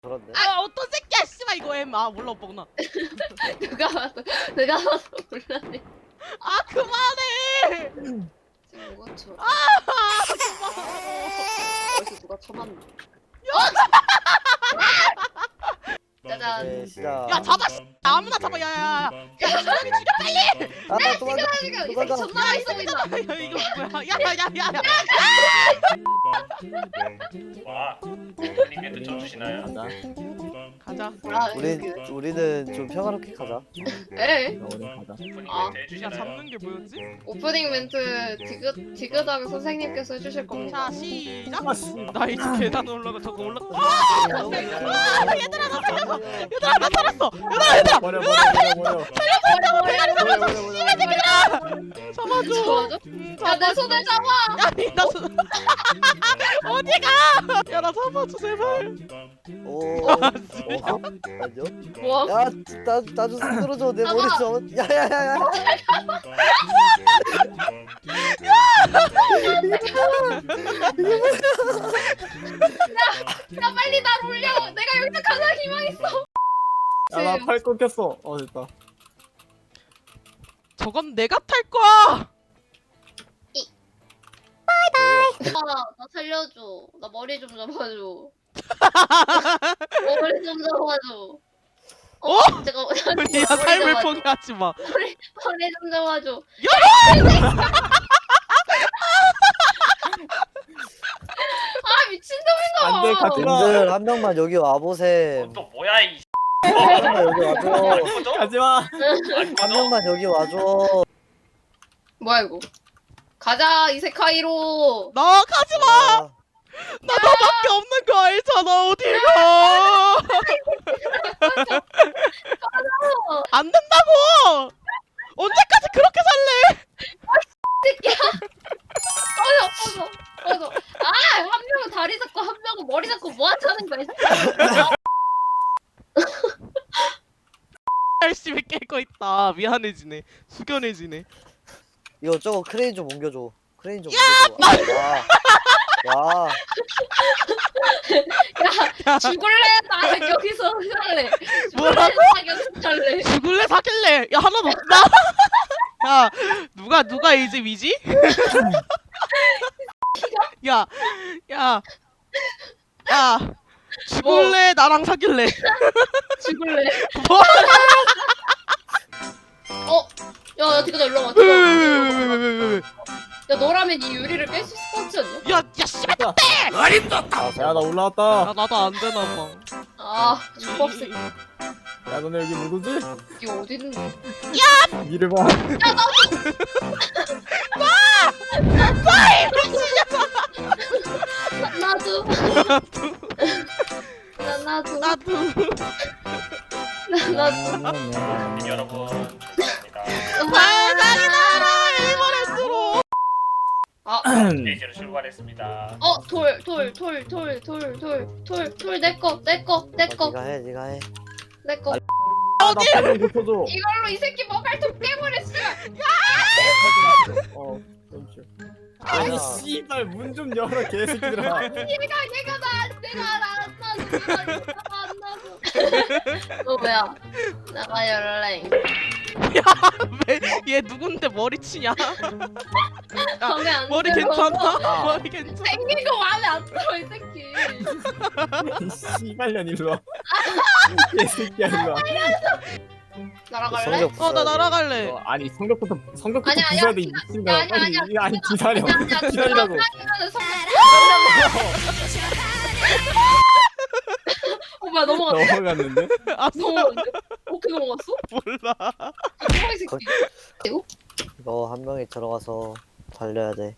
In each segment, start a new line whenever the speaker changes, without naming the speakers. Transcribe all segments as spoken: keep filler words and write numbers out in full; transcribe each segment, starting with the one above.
그런데.
아 어떤 새끼야 씨발 이거 엠. 아 몰라 오빠구나.
누가 봐도 누가 봐도 몰라네.
아 그만해.
지금 뭐가 쳐?
아 그만하라고.
벌써 누가 쳐맞나? 짜잔.
네, 시작.
야 잡아 씨. 아무나 잡아 야야야. 야 사람이 죽여 빨리.
아, 도망가.
지금 이 새끼
도망가.
존나 맛있어 보인다.
야 이거 뭐야? 야야야야.
와, 님께도 쳐 주시나요?
가자.
아,
우리
그,
우리는 좀 평화롭게 가자.
에?
오프닝
아.
멘트
야
해주시나요?
잡는 게 뭐였지?
오프닝 멘트 디귿 디귿하게 선생님께서 해주실 겁니다.
자 시작. 나 이제 계단 올라가 저거 올라.
얘들아 나 살려줘.
얘들아 나 살았어. 얘들아 얘들아.
버려 버려 버려 버려 버려
잡아줘.
좋아져?
음,
야, 내 손을 잡아.
아니 나 수... 어디가? 야 나 잡아줘 제발.
오. 어, 아니요.
뭐?
야, 나 나좀 흔들어줘. 내 머리 좀. 야야야야.
야, 빨리 날 올려. 내가 여기서 가장 희망 있어.
야나 팔 끊겼어. 어 됐다.
저건 내가 탈 거야.
아, 나 살려줘. 나 머리 좀 잡아줘. 머리 좀 잡아줘. 어? 제가
우리야 삶을 포기하지 마.
머리 머리 좀 잡아줘. 아 미친놈인가.
안돼 같이 가.
님들 한 명만 여기 와보셈.
어, 또 뭐야 이
한 명만 여기 와줘.
꺼져?
가지마.
안
한
꺼져?
명만 여기 와줘.
뭐야 이거? 가자 이세카이로.
나 가지 마.
아,
나 너밖에 없는 거 알잖아. 어딜 가? 안 된다고. 언제까지 그렇게 살래?
꺼져 꺼져 꺼져. 아한 명은 다리 잡고 한 명은 머리 잡고 뭐 하자는 거야? 이 새끼야.
열심히 깨고 있다. 미안해지네. 숙연해지네.
이거 저거 크레인 좀 옮겨줘. 크레인 좀 옮겨줘. 야, 야,
야 죽을래? 나 여기서 살래.
뭐라고?
나 여기서 살래.
죽을래 사귈래? 야 하나도 없다. 야 누가 누가 이제 위지? 야, 야, 야, 죽을래? 나랑 사귈래?
죽을래.
뭐?
어? 야, 야, 디귿아 일로 와.
왜,
디귿아.
왜, 왜, 왜, 왜, 왜, 왜, 왜?
야, 너라면 이 유리를 깰 수 있을 것 같지 않냐?
야, 야, 씨발,
아,
야나
나
올라왔다.
나도 안 되나 봐.
아, 죽업새.
야 너네 여기 누구지?
이거 어디 있는 거야?
니를 봐.
나, 나도. 나, 나도.
나도.
나, 나도.
여러분 감사합니다.
세상이 나라 일본에스로.
아,
스테이지로 출발했습니다.
어, 돌, 돌, 돌, 돌, 돌, 돌, 돌, 돌, 내 거, 내 거, 내 거,
네가 해, 네가 해.
내 거.
나팔좀 고쳐줘.
이걸로 이 새끼 머갈통 깨버려, 씨발.
어. 잠시. 아니 씨발 문 좀 열어 개새끼들아.
얘가, 얘가 나, 내가 나, 안 나도, 내가 안 나도. 너 뭐야? 나가 열래.
왜, 얘 누군데 머리 치냐? 야,
마음에 안
머리
들어.
괜찮아? 머리 괜찮아?
생긴 거 마음에 안 들어, 이 새끼.
이 씨발년 일로 와. 개새끼야 일로 와.
날아갈래?
성적
어, 나 날아갈래.
어, 아니 성격부터 성격부터
아니야,
부숴야
아니야,
돼 이
기다-
미친놈아.
아니야,
빨리
아니야,
이거 아니 기다려.
아니야, 아니야.
기다리라고.
아니면은 성- 어, 뭐야, 넘어갔어.
넘어갔는데?
아,
넘어갔는데? 어떻게 넘어갔어?
몰라.
이 새끼.
너 한 명이 들어가서 달려야 돼.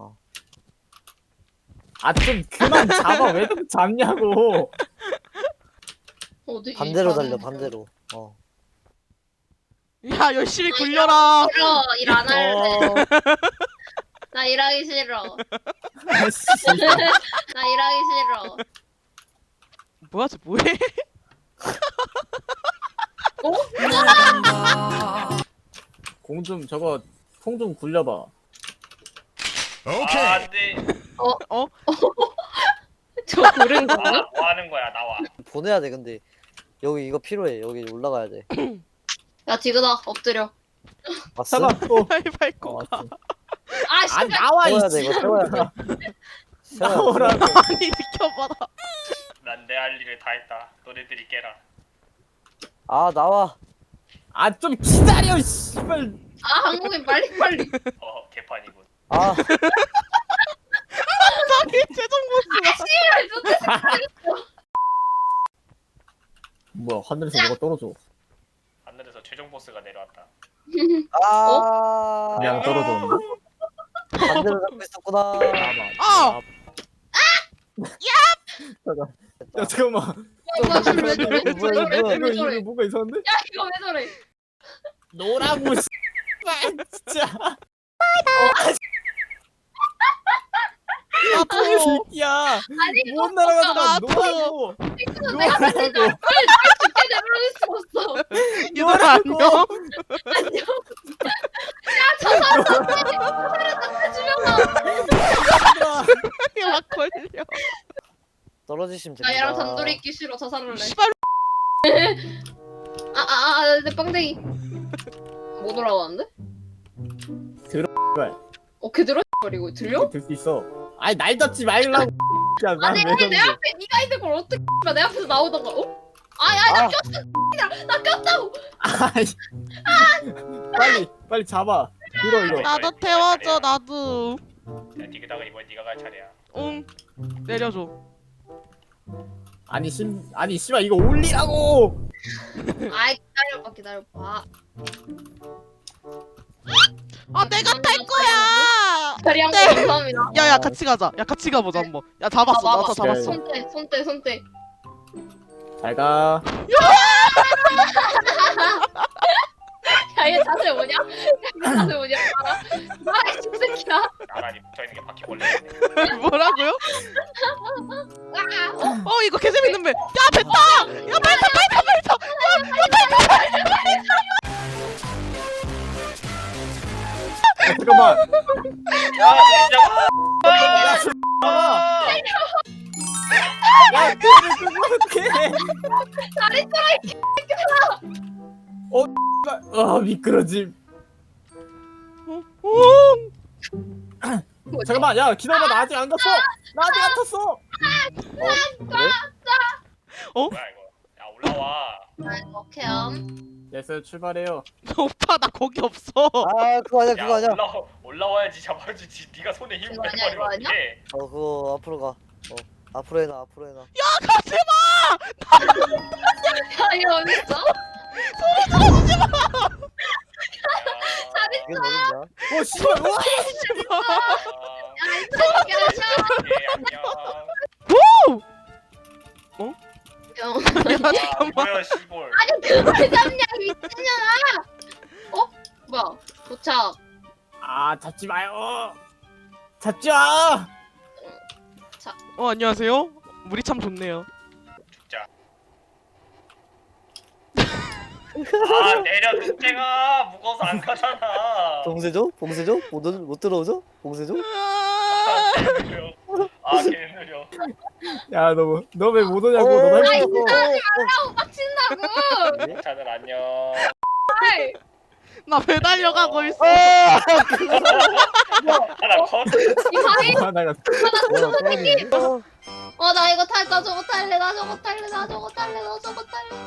아 좀 그만 잡아. 왜 자꾸 잡냐고.
어디?
반대로 달려, 반대로. 어.
야, 열심히 굴려라.
싫어, 일 안 할래.
어.
나 일하기 싫어.
아, 씨.
나 일하기 싫어.
뭐야, 쟤 뭐해?
공 좀 저거 통 좀 굴려봐.
아 안돼.
저 고른
아,
거야?
뭐 하는 거야 나와.
보내야 돼 근데 여기 이거 필요해. 여기 올라가야 돼.
야 디그다 엎드려.
왔어?
잠깐 또.
빨리 밟고
어,
가.
왔어.
아
아
씨발.
나와
세워야
이
돼 이거 세워야 돼. 세워야 돼.
나오라고.
아니 비켜봐라.
난 내 할 일을 다 했다. 너네들이 깨라.
아 나와.
아 좀 기다려 씨발.
아 한국인 빨리 빨리.
어 개판이군.
아
자기 최종 보스.
씨발 좋대.
뭐야 하늘에서 뭐가 떨어져.
하늘에서 최종 보스가 내려왔다.
아.
그냥 떨어졌는데?
반대로 잡고 있었구나.
나봐.
아!
잠깐. 야 잠깐만.
뭐야 왜 저래?
뭐야,
왜
뭐야,
저래?
뭐야.
이거
왜
이거
저래?
뭐가 이상한데?
야 이거 왜 저래?
노라고 씨발 진짜.
아,
나쁜 새끼야.
아니
못 날아가잖아.
나도.
노라고.
이거 내가 진짜
노라고.
죽게 내버릴 수 없어.
얘들아 안녕.
안녕. 야저 사람 저사람 주면
이거 막 걸려.
떨어지시면
나
됩니다.
얘랑 단둘이 있기 싫어. 저 사람을 내.
씨발.
아아아내 빵댕이. 못 올라가는데?
들어, 씨발.
어 걔들어 버리고 들려?
들 수 있어. 아니 날 잡지 말라고. 야,
아
난왜
내 내
잡는데?
앞에 네가 있는 걸 어떻게 내 앞에서 나오던가? 어? 아야 나
아.
꼈어. 나 꼈다고.
아이. 빨리 빨리 잡아. 들어 이거.
나도 태워줘 나도.
야 디그다가 이번 네가 갈 차례야.
응. 내려줘.
아니 심 아니 씨발 이거 올리라고.
아이 기다려봐 기다려봐.
아 내가 탈 거야.
다리한 거
네.
감사합니다.
야야 같이 가자. 야 같이 가보자 한번. 야 잡았어.
봐봐,
나도
봐봐.
잡았어.
손대 손대 손대.
잘 가.
야얘 자세 뭐냐? 얘 자세 뭐냐? 알아? 아이 새끼야.
나란히 붙어있는 게 바퀴벌레.
뭐라고요?
아,
어 이거 개 재밌는 배. 야 배 타. 야 배 타. 배 타. 배 타.
야, 잠깐만.
야 진짜.
야 잠깐만. 야 그를 끄고 어떡해.
다리
어, 어 미끄러짐.
오.
뭐지?
잠깐만 야 기다려봐 나 아직 안 갔어. 나 아직 안 탔어.
어? 그래?
뭐야 이거. 야 올라와.
오케이. 음.
됐어요 출발해요.
오빠 나 거기 없어.
아 그거 아니야
야
그거 아니야.
올라 올라와야지 잡아주지. 네가 손에 힘을
이거 아니야, 이거
빼버리면 어떡해.
어 그거 앞으로 가. 어 앞으로 해놔 앞으로 해놔.
야 가지 마.
야 이거 어디 있어?
야,
이게 어딨냐?
어 씨발 우와.
아,
야이 새끼야.
예, 안녕.
야,
야
아,
잠깐만.
뭐야 시골.
아니 그걸 잡냐 미친년아. 어? 뭐야? 도착.
아 잡지 마요. 잡지 마.
어 안녕하세요. 물이 참 좋네요.
죽자. 아 내려 늑대가 무거워서 안 가잖아.
봉쇄죠? 봉쇄죠? 못, 들- 못 들어오죠? 봉쇄죠?
아 개느려. 아 개느려.
야너너 왜 못 오냐고.
어,
너
어,
할 수
어,
아우 빡친다고.
예?
차들 안녕.
아이,
나 배 달려가고 있어.
아!
하나 컷.
이 바위.
있어. 나가.
뭐야, 떨어지네. 어,
어 나 이거 탈, 나 저거 탈래, 나 저거 탈래, 나 저거 탈래, 나 저거 탈래.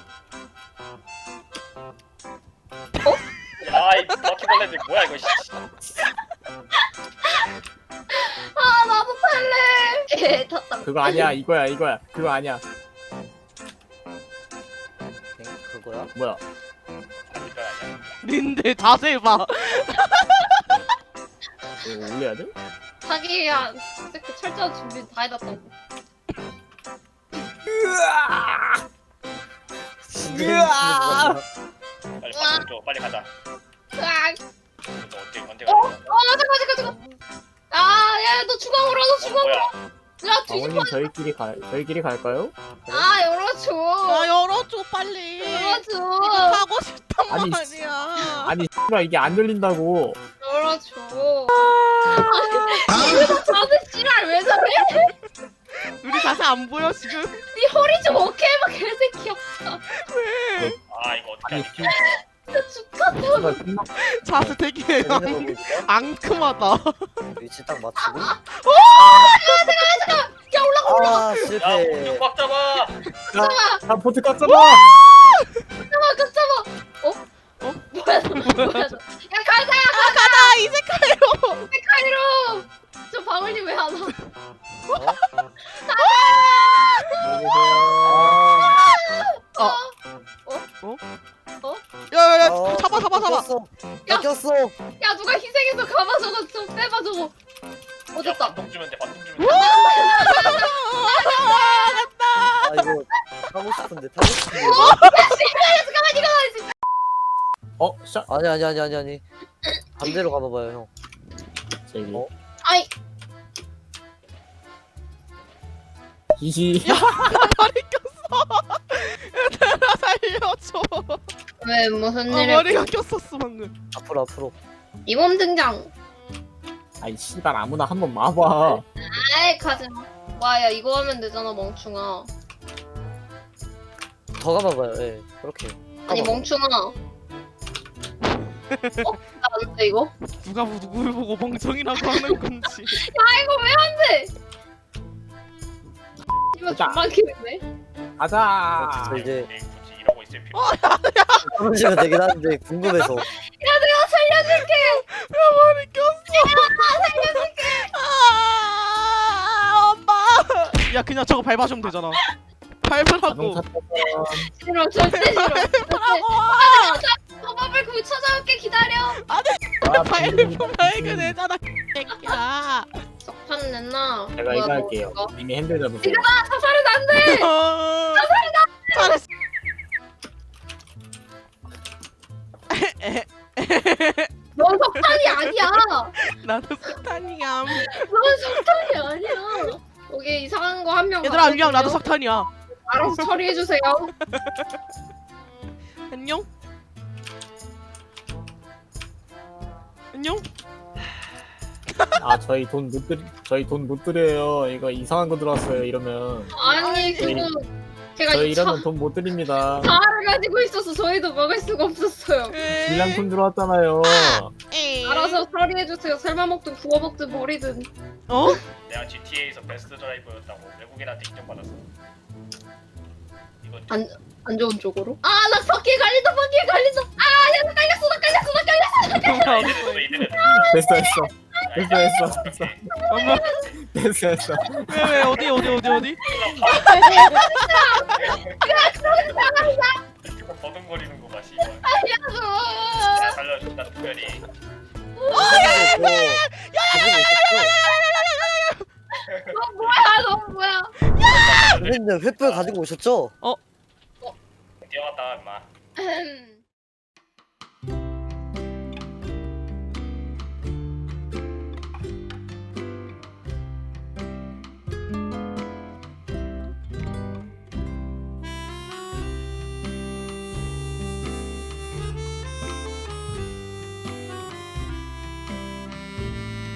야이 바퀴벌레들 뭐야 이거. 씨.
아 나도 탈래. 에 탔다.
그거 아니야 이거야 이거야. 그거 아니야.
그거야?
뭐야?
아닌 건 아니야.
닌데 자세 봐.
이거 올려야 돼?
자기야, 새끼 철저한 준비 다 해놨다고.
으아! 으아!
빨리 바퀴 줘. 빨리 가자.
으악.
너 언제 언제
어?
가자.
어 잠깐 잠깐 잠깐. 아, 야, 너 주광으로, 너
어,
주광으로.
뭐야?
야, 뒤집어.
아버님 저희끼리 가 저희끼리 갈까요?
아, 열어줘.
나 열어줘 빨리.
열어줘.
하고 싶단
아니,
말이야.
아니 씨발 이게 안 열린다고.
열어줘. 아니, 이거 자세 씨랄 왜 저래?
우리 자세 안 보여 지금?
네 허리 좀 오케이 해봐 개새끼야.
왜?
아 이거 어떻게
아니
하지?
씨,
진짜 죽겠다.
씨발 존나
자세 되게
재밌는 거
앙,
보여줄까?
앙큼하다.
위치 딱 맞추고.
야 올라가
아
야
실패.
공중 꽉 잡아.
아 보트 꽉 잡아.
잡아 급 잡아. 어? 어? 뭐야 너 뭐야 너. 야 가자
가다 이 색깔로.
카이로. 저 방울님 왜 안 와?
아,
야야야
어,
잡아 잡아 잡아.
꼈어.
야.
나 꼈어.
야 누가 희생해서 가봐 저거 좀 빼봐 저거. 어
야
됐다.
반동 주면 돼. 반동 주면 돼.
아 이거 타고 싶은데 타고 싶은데.
잠깐만 이거
어 샷.
아니 아니 아니 아니 아니. 반대로 가봐봐요 형.
저기
어?
아이
이시.
머리 꼈어. 얘들아 살려줘.
왜 무슨
아
일을
머리가 꼈었어 방금.
앞으로 앞으로.
이몸 등장.
아이 씨발 아무나 한번 마봐.
아이 가지마. 와야 이거 하면 되잖아 멍충아.
더 가봐봐요. 예. 그렇게.
아니
가봐봐.
멍충아. 어? 나 안 돼 이거?
누가 누굴 보고 멍청이라고 하는 건지.
야 이거 왜 안 돼? 이거
가자.
존나 기네.
가자.
아, 진짜 이제
근데 굳이 이러고 있을 필요.
떨어지면 되긴 하는데 궁금해서.
야 내가 살려줄게.
야 머리 꼈어. 살려줄게. 아 엄마. 야 그냥 저거 밟아주면 되잖아. 밟으라고.
자동차 타고.
싫어 절대 싫어. 절대.
밟아.
허밥을 구 찾아올게 기다려.
아,
밟으면 발견되잖아. 새끼야.
석탄 냈나?
제가
뭐야,
이거
뭐,
할게요.
이거?
이미 핸들 잡으세요.
아 사살은 안 돼.
어, 잘했어.
넌 석탄이 아니야.
나도 석탄이야.
넌 석탄이 아니야. 여기 이상한 거 한 명.
얘들아 안녕. 나도 석탄이야.
알아서 처리해 주세요.
안녕. 안녕.
아 저희 돈 못 드리 저희 돈 못 드려요. 이거 이상한 거 들어왔어요. 이러면
아니 그거 제가
저희
이 차,
이러면 돈 못 드립니다.
차를 가지고 있어서 저희도 먹을 수가 없었어요.
불량품 들어왔잖아요.
에이.
알아서 처리해 주세요. 삶아 먹든 구워 먹든 버리든.
어?
내가 지티에이에서 베스트 드라이버였다고 외국인한테 인정받았어. 이거
안, 안 좋은 쪽으로? 아 나 바퀴에 갈린다 바퀴에 갈린다. 아야나 깔렸어 나 깔렸어 나 깔렸어.
이들은 이들은
됐어 됐어. 됐어 됐어 됐어.
엄마.
됐어 됐어.
왜왜 어디 어디 어디 어디?
이거 버둥거리는 거 봐. 씨발.
야
내가 살려준다 특별히.
너 뭐야 너 뭐야.
선생님 횃불 가지고 오셨죠?
뛰어갔다 임마.
음.